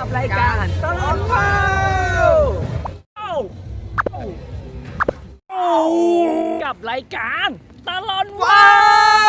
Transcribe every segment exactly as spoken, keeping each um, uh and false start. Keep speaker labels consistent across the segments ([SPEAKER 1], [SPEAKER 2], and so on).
[SPEAKER 1] รายการตลอดว้าวกับรายการตลอดว้าว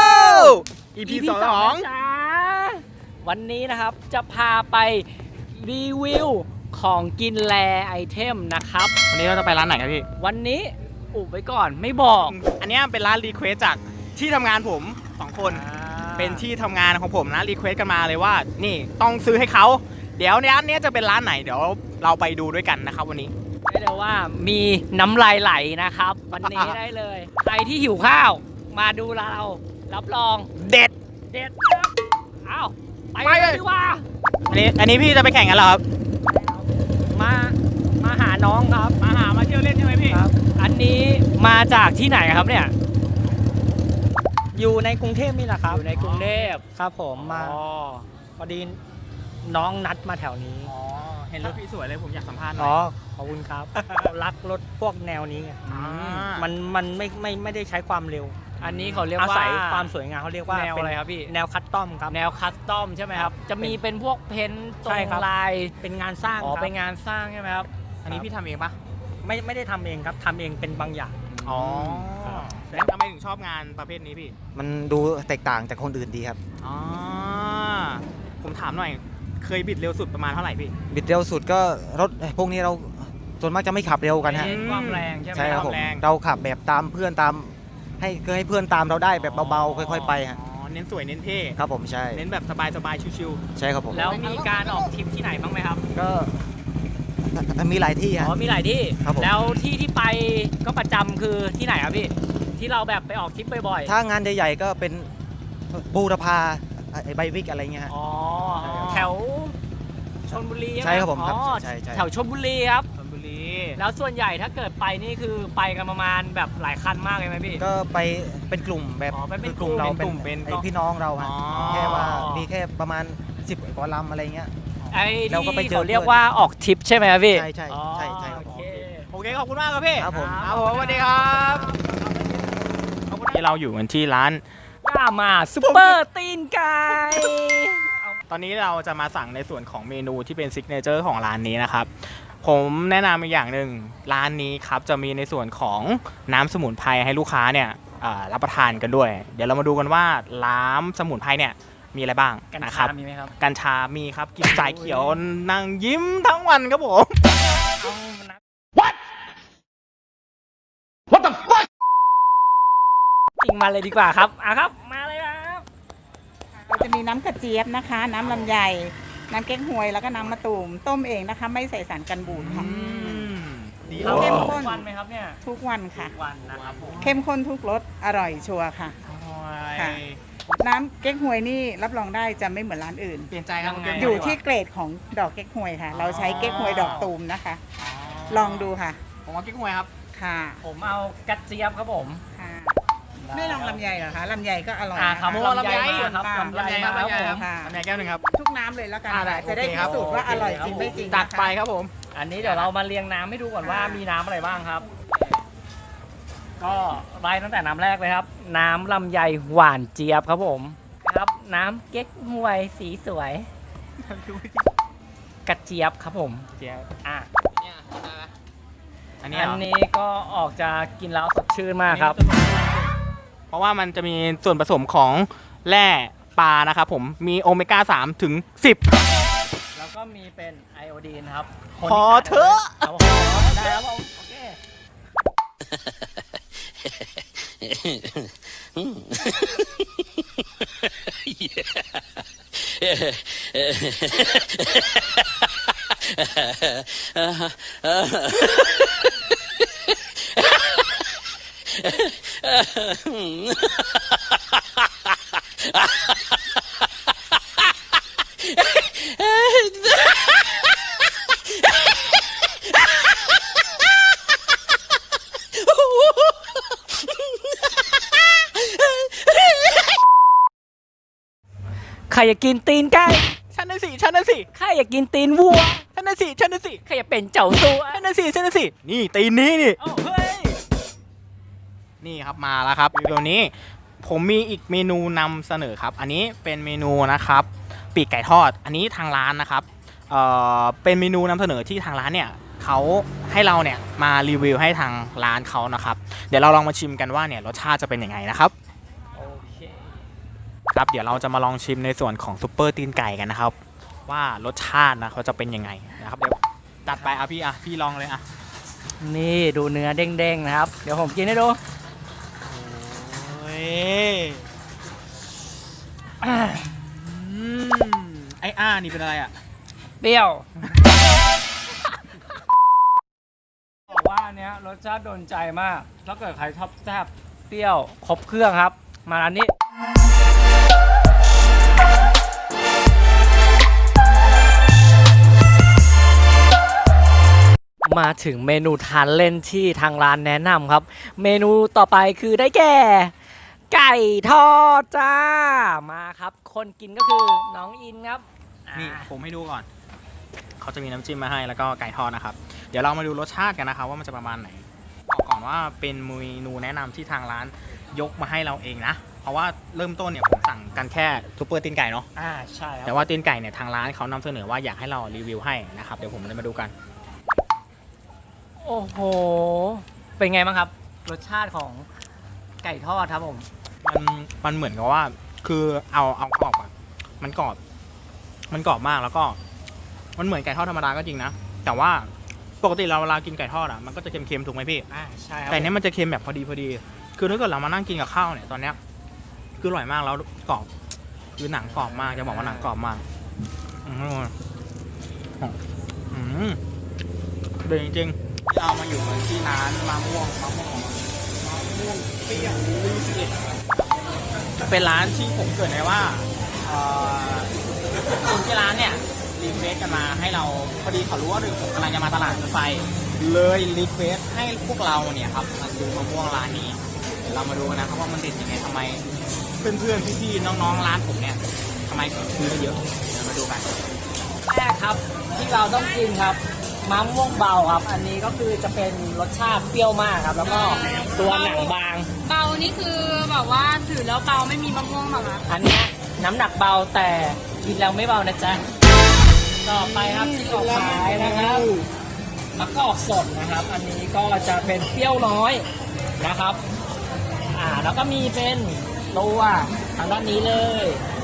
[SPEAKER 2] อี พี สอง
[SPEAKER 1] จ้าวันนี้นะครับจะพาไปรีวิวของกินแลไอเทมนะครับ
[SPEAKER 2] วันนี้เราจะไปร้านไหนครับพี่
[SPEAKER 1] วันนี้อุบไว้ก่อนไม่บอก
[SPEAKER 2] อันนี้เป็นร้านรีเควสจากที่ทำงานผมสองคน เป็นที่ทำงานของผมนะรีเควสกันมาเลยว่านี่ต้องซื้อให้เขาเดี๋ยวร้านนี้จะเป็นร้านไหนเดี๋ยวเราไปดูด้วยกันนะครับวันนี้
[SPEAKER 1] ได้เลยว่ามีน้ำลายไหลนะครับ วันนี้ได้เลย ใครที่หิวข้าวมาดูเรารับรอง
[SPEAKER 2] เด็ด
[SPEAKER 1] เด็ดครับอ้าวไป
[SPEAKER 2] ไปเลย
[SPEAKER 1] ดีกว่า
[SPEAKER 2] อันนี้อันนี้พี่จะไปแข่งกันเหรอครับ
[SPEAKER 1] มามาหาน้องครับ
[SPEAKER 2] มาหามาเที่ยวเล่นใช่ไหมพี่
[SPEAKER 1] ครับ อันนี้มาจากที่ไหนครับเนี่ยอยู่ในกรุงเทพนี่แหละครับอยู่ในกรุงเทพครับผมมา
[SPEAKER 2] อ๋อ
[SPEAKER 1] พอดีน้องนัดมาแถวนี้
[SPEAKER 2] อ๋อเห็นรถพี่สวยเลยผมอยากสัมภาษณ์หน่
[SPEAKER 1] อ๋
[SPEAKER 2] อ
[SPEAKER 1] อย ขอบคุณครับ รักรถพวกแนวนี้ไง
[SPEAKER 2] อ่ามั
[SPEAKER 1] มันมันไม่ไม่ไม่ได้ใช้ความเร็ว
[SPEAKER 3] อันนี้เขาเรียก
[SPEAKER 1] อา
[SPEAKER 3] ว่า
[SPEAKER 1] ศัยความสวยงามเขาเรียกว่า
[SPEAKER 3] แนว
[SPEAKER 1] เป็น
[SPEAKER 3] อะไรครับพี่
[SPEAKER 1] แนวคัสตอมครับ
[SPEAKER 3] แนวคัสตอมใช่ไหมครับ จะมีเป็นพวกเพ้นท์ตร
[SPEAKER 1] ใช่
[SPEAKER 3] ง
[SPEAKER 1] ครับ
[SPEAKER 3] ลาย
[SPEAKER 1] เป็นงานสร้าง
[SPEAKER 3] อ๋อ
[SPEAKER 1] ครับ
[SPEAKER 3] เป็นงานสร้างใช่ไหมครับ
[SPEAKER 2] อันนี้พี่ทำเองปะ
[SPEAKER 1] ไม่ไม่ได้ทำเองครับทำเองเป็นบางอย่าง
[SPEAKER 2] อ๋อ
[SPEAKER 1] ครับ
[SPEAKER 2] แล้วทำไมถึงชอบงานประเภทนี้พี่
[SPEAKER 4] มันดูแตกต่างจากคนอื่นดีครับ
[SPEAKER 2] อ๋อผมถามหน่อยเคยบิดเร็วสุดประมาณเท่าไหร่พี่
[SPEAKER 4] บิดเร็วสุดก็รถพวกนี้เราส่วนมากจะไม่ขับเร็วกันฮะ
[SPEAKER 2] อื
[SPEAKER 3] เน้นความแรงใช่ไหม
[SPEAKER 4] ใช่ครับผม
[SPEAKER 2] แรง
[SPEAKER 4] เราขับแบบตามเพื่อนตามให้คือให้เพื่อนตามเราได้แบบเบาๆค่อยๆไปฮะ
[SPEAKER 2] อ๋อเน้นสวยเน้นเท่
[SPEAKER 4] ครับผมใช่
[SPEAKER 2] เน้นแบบสบายๆชิว
[SPEAKER 4] ใช่ครับผม
[SPEAKER 3] แล้วมีการออกทริปที่ไหนบ้างไหมครับ
[SPEAKER 4] ก็มีหลายที่
[SPEAKER 3] อ๋
[SPEAKER 4] ฮะ
[SPEAKER 3] อมีหลายที่
[SPEAKER 4] ครับผม
[SPEAKER 3] แล้วที่ที่ไปก็ประจำคือที่ไหนครับพี่ ที่เราแบบไปออกทริปบ่อยๆ
[SPEAKER 4] ถ้างานใหญ่ๆก็เป็นบูรพาไอ้ใบวิกอะไรเงี้ยฮะ
[SPEAKER 3] อ๋อ แถวชลบุรี
[SPEAKER 4] ใช่ครับผมครับ
[SPEAKER 3] อ๋อ
[SPEAKER 4] ใช่ใช่
[SPEAKER 3] แถวชลบุรีครับ
[SPEAKER 2] ๆชลบุรี
[SPEAKER 3] แล้วส่วนใหญ่ถ้าเกิดไปนี่คือไปกันประมาณแบบหลายคันมากเลยไหมพี่
[SPEAKER 4] ก็ไปเป็นกลุ่มแบบ
[SPEAKER 3] อ๋อไปเป็น
[SPEAKER 4] คือกลุ่มเรา
[SPEAKER 3] กลุ่
[SPEAKER 4] เป็น
[SPEAKER 3] ม
[SPEAKER 4] ไอ้พี่น้องเราฮะ
[SPEAKER 2] อ๋อ
[SPEAKER 4] แค่ว่ามีแค่ประมาณสิบกว่าลำอะไรเงี้ย
[SPEAKER 3] ไอ้
[SPEAKER 4] เราก็ไป
[SPEAKER 3] ที่
[SPEAKER 4] เจอ
[SPEAKER 3] เขาเรียกว่าออกทริปใช่ไหมครับพี่
[SPEAKER 4] ใช่ใช่ใช่ใช่ครับ
[SPEAKER 3] โอเค
[SPEAKER 2] โอเคขอบคุณมากครับพี่
[SPEAKER 4] ครับผม
[SPEAKER 2] ครับผมสวัสดีครับที่เราอยู่กันที่ร้าน
[SPEAKER 3] ย่ามาซุปเปอร์ตีนไก่
[SPEAKER 2] ตอนนี้เราจะมาสั่งในส่วนของเมนูที่เป็นซิกเนเจอร์ของร้านนี้นะครับ ผมแนะนำอีกอย่างหนึ่งร้านนี้ครับจะมีในส่วนของน้ำสมุนไพรให้ลูกค้าเนี่ยอ่ารับประทานกันด้วย เดี๋ยวเรามาดูกันว่าน้ำสมุนไพรเนี่ยมีอะไรบ้าง
[SPEAKER 3] กัญ
[SPEAKER 2] นะค
[SPEAKER 3] ชา
[SPEAKER 2] รับ
[SPEAKER 3] มีไหมครับ
[SPEAKER 2] กัญชามีครับกินสายเขียวนั่งยิ้มทั้งวันครับผม
[SPEAKER 3] เอานะ จริงมาเลยดีกว่าครับอ่ะครับ มาเลยครับ
[SPEAKER 5] เราจะมีน้ำกระเจี๊ยบนะคะ น้ำลำไย น้ำเก๊กฮวยแล้วก็น้ำมะตูมต้มเองนะคะ ไม่ใส่สารกันบูดค่ะ
[SPEAKER 2] ดี
[SPEAKER 3] เรา
[SPEAKER 5] เข้ม
[SPEAKER 3] ทุ
[SPEAKER 5] ข้น
[SPEAKER 3] กวันไหมครับเนี่ย
[SPEAKER 5] ทุกวันค่ะ
[SPEAKER 3] ทุกวันนะครับผม
[SPEAKER 5] เข้มข้นทุกรสอร่อยชัวร์ค่ะ ค่ะ น้ำเก๊กฮวยนี่รับรองได้จะไม่เหมือนร้านอื่น
[SPEAKER 2] เปลี่ยนใจครับ
[SPEAKER 3] ยังไง
[SPEAKER 5] อยู่ที่เกรดของดอกเก๊กฮวยค่ะ เราใช้เก๊กฮวยดอกตูมนะคะ ลองดูค่ะ
[SPEAKER 2] ผมเอากิ๊กฮวยครับ
[SPEAKER 5] ค่ะ
[SPEAKER 3] ผมเอากระเจี๊ยบครับผม
[SPEAKER 5] ค่ะ ไม่ลองลำไยเหรอคะลำไยก็อร่อย
[SPEAKER 3] อ่า
[SPEAKER 5] นะ
[SPEAKER 3] ครั
[SPEAKER 5] คะ
[SPEAKER 3] บ
[SPEAKER 2] โอ้ลำไย
[SPEAKER 3] ครับลำไย
[SPEAKER 2] ลำไยครับ
[SPEAKER 3] ครับ
[SPEAKER 2] ลำไย
[SPEAKER 3] ผ
[SPEAKER 2] ครับ
[SPEAKER 3] ม
[SPEAKER 5] ค่ะ
[SPEAKER 2] ลำไยแก้วหนึ่งครับ
[SPEAKER 5] ทุกน้ำเลยแล้วกัน
[SPEAKER 2] อ่าได้
[SPEAKER 5] ค่ะจะได้
[SPEAKER 2] โอเค
[SPEAKER 5] พิ
[SPEAKER 2] ครับ
[SPEAKER 5] สูจน์ว่าอร่อยจริง
[SPEAKER 3] โอเค
[SPEAKER 5] ไม่จริง
[SPEAKER 2] จัด
[SPEAKER 5] นะคะ
[SPEAKER 2] ไปครับผม
[SPEAKER 3] อันนี้เดี๋ยวเรามาเรียงน้ำให้ดูก่อนว่ามีน้ำอะไรบ้างครับ ก็ไล่ตั้งแต่น้ำแรกเลยครับ น้ำลำไยหวานเจี๊ยบครับผมครับ น้ำเก๊กฮวยสีสวย กระเจี๊ยบครับผม
[SPEAKER 2] เจี๊ยบ
[SPEAKER 3] อ่ะ
[SPEAKER 2] อันนี้
[SPEAKER 3] อัน
[SPEAKER 2] เหรอ
[SPEAKER 3] นี้ก็ออกจะกินแล้วสดชื่นมากครับ
[SPEAKER 2] เพราะว่ามันจะมีส่วนผสมของแร่ปลานะครับผม มีโอเมก้าสามถึงสิบ
[SPEAKER 3] แล้วก็มีเป็นไอโอดีนครับ
[SPEAKER 2] ขอเถอะ
[SPEAKER 3] ครับผมได้ครับผมโอเค ใครอยากกินตีนไก่
[SPEAKER 2] ฉันน่ะสิฉันน่ะสิ
[SPEAKER 3] ใครอยากกินตีนวัว
[SPEAKER 2] ฉันน่ะสิฉันน่ะสิ
[SPEAKER 3] ใครอยากเป็นเจ้าสัว
[SPEAKER 2] ฉันน่ะสิฉันน่ะสินี่ตีนนี้นี่
[SPEAKER 3] โอ้เฮ้ย
[SPEAKER 2] นี่ครับมาแล้วครับเดี๋ยวนี้ผมมีอีกเมนูนำเสนอครับ อันนี้เป็นเมนูนะครับปีกไก่ทอด อันนี้ทางร้านนะครับเอ่อเป็นเมนูนำเสนอที่ทางร้านเนี่ยเขาให้เราเนี่ยมารีวิวให้ทางร้านเขานะครับเดี๋ยวเราลองมาชิมกันว่าเนี่ยรสชาติจะเป็นยังไงนะครับ
[SPEAKER 3] โอเค
[SPEAKER 2] ครับเดี๋ยวเราจะมาลองชิมในส่วนของซุปเปอร์ตีนไก่กันนะครับว่ารสชาตินะเขาจะเป็นยังไงนะครับเดี๋ยวตัดไปอ่ะพี่อ่ะพี่ลองเลยอ่ะ
[SPEAKER 3] นี่ดูเนื้อเด้งๆนะครับ เดี๋ยวผมกินให้ดู
[SPEAKER 2] โอ้ยอืมไอ้อ้านี่เป็นอะไรอ่ะ
[SPEAKER 3] เปรี้ยว บอกว่าอันเนี้ยรสชาติโดนใจมาก ถ้าเกิดใครชอบแซ่บเปรี้ยวครบเครื่องครับ มาร้านนี้ มาถึงเมนูทานเล่นที่ทางร้านแนะนำครับ เมนูต่อไปคือได้แก่ ไก่ทอดจ้า มาครับ คนกินก็คือน้องอินครับ
[SPEAKER 2] นี่
[SPEAKER 3] อ่า
[SPEAKER 2] ผมให้ดูก่อนเขาจะมีน้ำจิ้มมาให้แล้วก็ไก่ทอดนะครับเดี๋ยวเรามาดูรสชาติกันนะครับว่ามันจะประมาณไหนบอกก่อนว่าเป็นเมนูแนะนำที่ทางร้านยกมาให้เราเองนะเพราะว่าเริ่มต้นเนี่ยผมสั่งกันแค่ซุปเปอร์ตีนไก่เนาะ
[SPEAKER 3] อ่าใช่ครับ
[SPEAKER 2] แต่ว่าตีนไก่เนี่ยทางร้านเขานำเสนอว่าอยากให้เรารีวิวให้นะครับเดี๋ยวผมจะมาดูกัน
[SPEAKER 3] โอ้โห เป็นไงบ้างครับ รสชาติของไก่ทอดครับผม
[SPEAKER 2] มันมันเหมือนกับว่าคือเอาเอากรอบอะมันกรอบมันกรอบมากแล้วก็มันเหมือนไก่ทอดธรรมดาก็จริงนะแต่ว่าปกติเราเวลากินไก่ทอดอะมันก็จะเค็มๆถูกไหมพี่
[SPEAKER 3] อ่าใช่ครับ
[SPEAKER 2] แต่เนี้ยมันจะเค็มแบบพอดีพอดีคือถ้าเกิดเรามานั่งกินกับข้าวเนี่ยตอนเนี้ยคืออร่อยมากแล้วกรอบคือหนังกรอบมากจะบอกว่าหนังกรอบมากอืมอืมเด็ดจริงๆเรามาอยู่กันที่ร้านมะม่วงมะม่วงมะม่วงเปรี้ยวลุยสิเอ็ดเป็นร้านที่ผมเกริดไว้ว่าเอ่อคนที่ร้านเนี่ยรีเควสกันมาให้เราพอดีเขารู้ว่าผมกำลังจะมาตลาดรถไฟเลยรีเควสให้พวกเราเนี่ยครับมาดูมะม่วงร้านนี้เดี๋ยวเรามาดูกันนะครับว่ามันเด็ดยังไงทำไมเพื่อนๆพี่ๆน้องๆร้านผมเนี่ยทำไมถึงซื้อเยอะเดี๋ยวมาดูกัน
[SPEAKER 3] แรกครับที่เราต้องกินครับมะม่วงเบาครับ อันนี้ก็คือจะเป็นรสชาติเปรี้ยวมากครับ แล้วก็ตัวหนังบาง
[SPEAKER 6] เบานี่คือแบบว่าถือแล้วเบาไม่มีมะม่วงหรอคะ
[SPEAKER 3] อันเนี้ยน้ำหนักเบาแต่กินแล้วไม่เบานะจ๊ะต่อไปครับที่ออกขายนะครับมะกอกสดนะครับ อันนี้ก็จะเป็นเปรี้ยวน้อยนะครับอ่าแล้วก็มีเป็นตัวทางด้านนี้เลย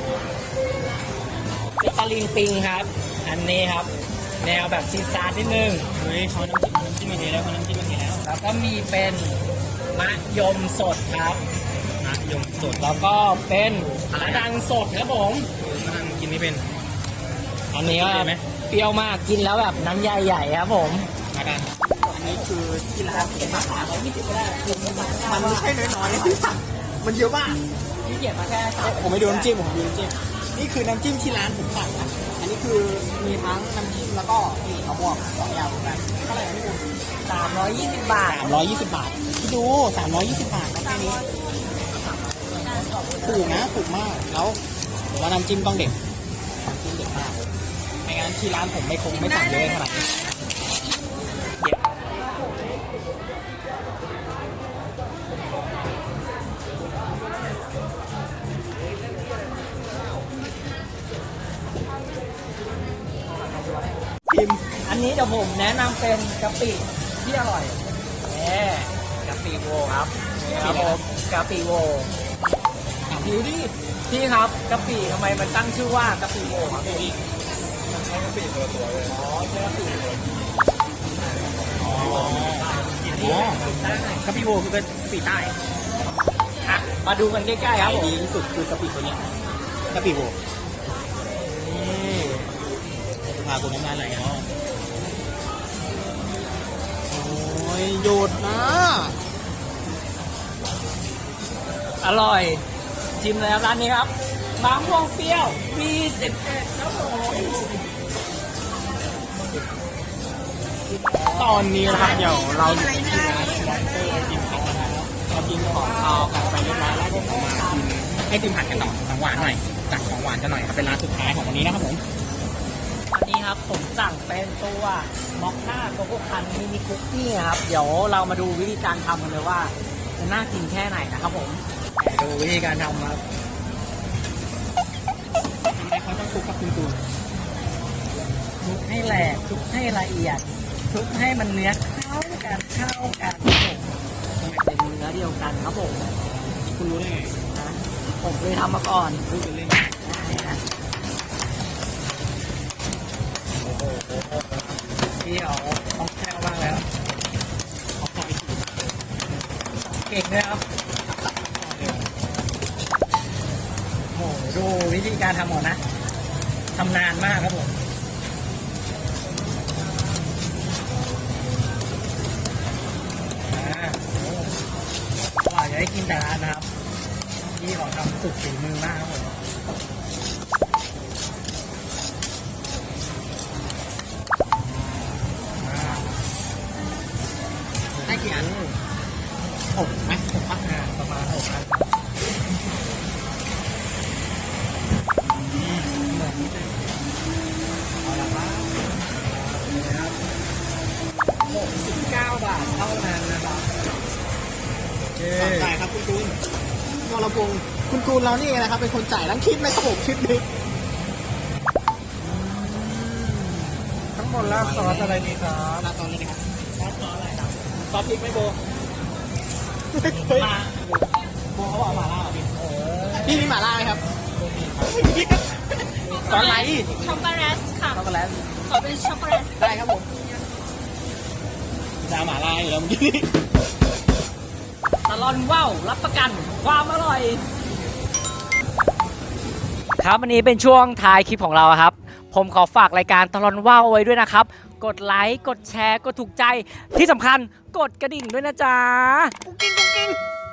[SPEAKER 3] เป็นตะลิงปิงครับ อันนี้ครับ แนวแบบซีซาร์นิดนึง
[SPEAKER 2] เฮ้ยเขาน้ำจิ้มน้ำจิ้มมันดีแล้วเขาน้ำจิ้มมันดีแล้ว
[SPEAKER 3] แล้วก็มีเป็นมะยมสดครับ
[SPEAKER 2] นะยมสด
[SPEAKER 3] แล้วก็เป็นมะดังสดครับผม
[SPEAKER 2] มันกินไม่เป็น
[SPEAKER 3] อันนี้ก็
[SPEAKER 2] เปรี้ยวไหม
[SPEAKER 3] เปรี้ยวมากกินแล้วแบบน้ำใหญ่ๆครับผม
[SPEAKER 2] มากันอันนี้คือที่ร้านผมมาสามร้อยยี่สิบก็ได้มันไม่ใช่น้อยๆมันเยอะมาก
[SPEAKER 3] พี่เกียรมาแค่สาม
[SPEAKER 2] ผมไม่ดูน้ำจิ้มผมดูน้ำจิ้มนี่คือน้ำจิ้มที่ร้านผมสั่งนะอันนี้คือมีทั้งน้ำจิ้มแล้วก็นี่มะม่วงสองอย่างเหมือนกันเท่าไหร่พี่บุญ
[SPEAKER 3] สามร้อยยี่สิบบาท
[SPEAKER 2] สามร้อยยี่สิบบาทพี่ดูสามร้อยยี่สิบบาทนะแค่นี้ถูกนะถูกมากแล้วผมว่าน้ำจิ้มต้องเด็ดน้ำจิ้มเด็ดมากไม่งั้นที่ร้านผมไม่คงไม่สั่งเยอะขนาดนี้ชิม
[SPEAKER 3] อันนี้เดี๋ยวผมแนะนำเป็นกะปิที่อร่อยแหมกะปิโวครับนี่ครับผมกะปิโว
[SPEAKER 2] ถามดูดิ
[SPEAKER 3] พี่ครับกะปิทำไมมันตั้งชื่อว่ากะปิโวครับพี่
[SPEAKER 2] ใช้กะปิตัวตัวเลย
[SPEAKER 3] อ๋อใช่กะปิโว
[SPEAKER 2] อ๋อ
[SPEAKER 3] อันนี้
[SPEAKER 2] กะปิโวคือกะปิใต้
[SPEAKER 3] อ่ะมาดูกันใกล้ๆครับผม
[SPEAKER 2] ดีที่สุดคือกะปิตัวเนี้ยกะปิโวนี่พาคุณน้ำลายไหลเนาะโอ้ยหยุดนะ
[SPEAKER 3] อร่อยชิมเลยครับร้านนี้ครับมะม่วงเปรี้ยว วี สิบเอ็ด ครับผม
[SPEAKER 2] ตอนนี้นะครับเดี๋ยวเราอยู่ที่ร้านวอเตอร์กินของนะครับเรากินของคาวกันไปเรียบร้อยแล้วผมเอามากินให้ติมผัดกันต่อของหวานหน่อยจัดของหวานกันหน่อยครับเป็นร้านสุดท้ายของวันนี้นะครับผม
[SPEAKER 3] วันนี้ครับผมสั่งเป็นตัวมอคค่าโกโก้คันมินิคุกกี้ครับเดี๋ยวเรามาดูวิธีการทำกันเลยว่าจะน่ากินแค่ไหนนะครับผมดูวิธีการทำครับ
[SPEAKER 2] ทำไมเขาต้องคลุกกับคุณตูน
[SPEAKER 3] คลุกให้แหลกคลุกให้ละเอียดคลุกให้มันเนื้อเข้ากันเข้ากันครับผมเป็นเนื้อเดียวกันครับผม
[SPEAKER 2] คุณรู้ได้ไง
[SPEAKER 3] นะผมเคยทำมาก่อน
[SPEAKER 2] พูดกันเล่น
[SPEAKER 3] พี่เอาต้องแค่บ้างแล้วเก่งเลยครับโอ้โหดูวิธีการทำหมดนะทำนานมากครับผมอ่าโอ้กว่าจะได้กินแต่ละอันนะครับพี่ขอทำสุดฝีมือมากครับผมได้กี่อันหกไหมหกพักงานประมาณหกอันเหมือนนิดนึงเอาละครับนะครับหกสิบเก้าบาทเท่านั้นนะครับโอเค
[SPEAKER 2] จ่ายครับคุณตูนวรพงศ์คุณตูนเรานี่นะครับเป็นคนจ่ายทั้งคลิปเลยครับผมคลิปนี้
[SPEAKER 3] ทั้งหมดราดซอสอะไรดีครับ
[SPEAKER 2] ตอนนี้นะครับ
[SPEAKER 3] ซอสซอสอะไรครับ
[SPEAKER 2] ซอสพริกไหม่โบเฮ้ยโบเขาบอกหม่าล่าเหรอพี่พี่มีหม่าล่าไหมครับซอสอะไร
[SPEAKER 6] ช็อกโกแลตค่ะ
[SPEAKER 3] ช็อกโกแลต
[SPEAKER 6] ขอเป็นช็อกโกแลต
[SPEAKER 2] ได้ครับผมจะเอาหม่าล่าอยู่แล้วเมื่อกี้
[SPEAKER 3] ตลอนว้าวรับประกันความอร่อย ครับวันนี้เป็นช่วงท้ายคลิปของเราครับ ผมขอฝากรายการตลอนว้าวเอาไว้ด้วยนะครับ กดไลค์กดแชร์กดถูกใจที่สำคัญกดกระดิ่งด้วยนะจ๊ะกุ๊กกิ๊งกุ๊กกิ๊ง